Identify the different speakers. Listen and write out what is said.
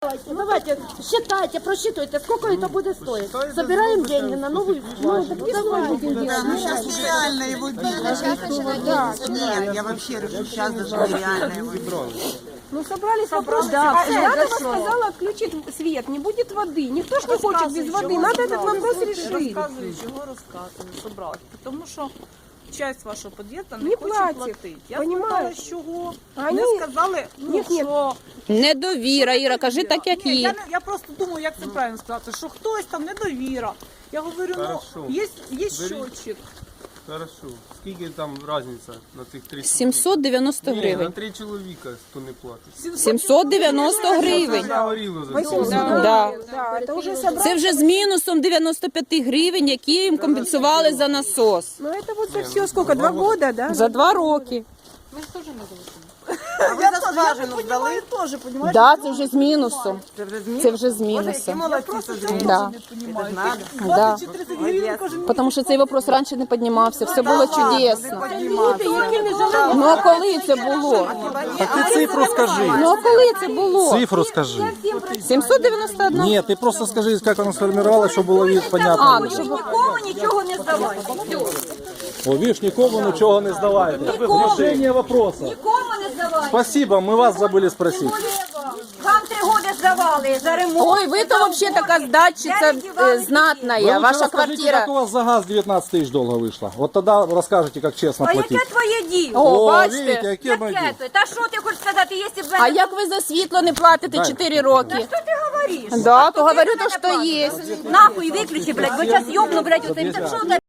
Speaker 1: Давайте, считайте, просчитывайте, сколько это будет стоить. Собираем деньги на новую школу.
Speaker 2: Ну, сейчас нереально его делать. Нет, я вообще решу, сейчас даже нереально его делать.
Speaker 3: Ну, собрались вопросы. Да, Ядова сказала, отключить свет, не будет воды. Никто ж не хочет без воды. Надо этот вопрос решить.
Speaker 4: Розказую, чого розказую, собрати. Тому що часть вашого під'їзду не
Speaker 3: Не
Speaker 4: хоче
Speaker 3: платить.
Speaker 4: платити. Я
Speaker 3: Понімаєш?
Speaker 4: спитала, з чого.
Speaker 3: Вони-
Speaker 4: Вони сказали,
Speaker 3: Ні,
Speaker 4: що...
Speaker 5: Недовіра, Іра, кажи так, як
Speaker 4: Ні,
Speaker 5: є.
Speaker 4: я просто думаю, як це правильно сказати, що хтось там недовіра. Я говорю,
Speaker 6: Хорошо.
Speaker 4: є щотчик.
Speaker 6: Хорошо. Скільки там різниця на цих 3
Speaker 5: 790
Speaker 6: Ні, на
Speaker 5: гривень.
Speaker 6: 3 чоловіка хто не платить.
Speaker 5: 790 гривень.
Speaker 6: Це горіло за це.
Speaker 5: Да.
Speaker 3: Да, это уже собрали.
Speaker 5: Це вже з мінусом 95 гривень, які їм компенсували за насос.
Speaker 3: Ну, это вот за все сколько? 2 года, да?
Speaker 5: За 2 роки.
Speaker 2: А ви за скважину здали?
Speaker 4: Теж, понімаєш?
Speaker 5: Да, це вже з мінусом.
Speaker 2: Це вже зміни?
Speaker 5: Це вже з
Speaker 2: Боже, які
Speaker 5: мінусом.
Speaker 2: молодці, що зміни.
Speaker 5: Да.
Speaker 2: Це ж надо.
Speaker 5: Да.
Speaker 4: 20 чи 30 гривень кожен місяць.
Speaker 5: Тому що цей вопрос раніше не піднімався, все було чудесно.
Speaker 3: Які не жили.
Speaker 5: Ну а коли це було?
Speaker 7: Так ти цифру скажи.
Speaker 5: Ну а коли це було?
Speaker 7: Цифру скажи.
Speaker 5: 791.
Speaker 7: Ні, ти просто скажи, як воно сформувалося, щоб було понятно.
Speaker 5: А, ну щоб
Speaker 1: Нікому нічого не здавайте.
Speaker 7: О, видиш, нікому нічого не здавайте. Решение вопроса.
Speaker 1: Нікому не здавайте.
Speaker 7: Спасибо, ми вас забули спросити.
Speaker 1: Вам 3 роки здавали за ремонт.
Speaker 5: Ой, ви то вообще така здатчиця знатна,
Speaker 7: Ви
Speaker 5: ваша
Speaker 7: лучше розкажіть,
Speaker 5: квартира.
Speaker 7: як у вас за газ 19 тисяч долго вийшло. От тоді розкажете, як чесно
Speaker 1: А
Speaker 7: платити.
Speaker 1: яке твоє діло?
Speaker 5: О,
Speaker 7: видите,
Speaker 5: бачите?
Speaker 7: яке моє діло.
Speaker 1: Яке? Та що ти хочеш сказати, якщо б...
Speaker 5: А як ви за світло не платите 4 роки?
Speaker 1: Що ти говориш?
Speaker 5: Да, то говорю то, що є.
Speaker 1: Нахуй виключи, блядь, бо зараз йобну, блядь, оцим. Та що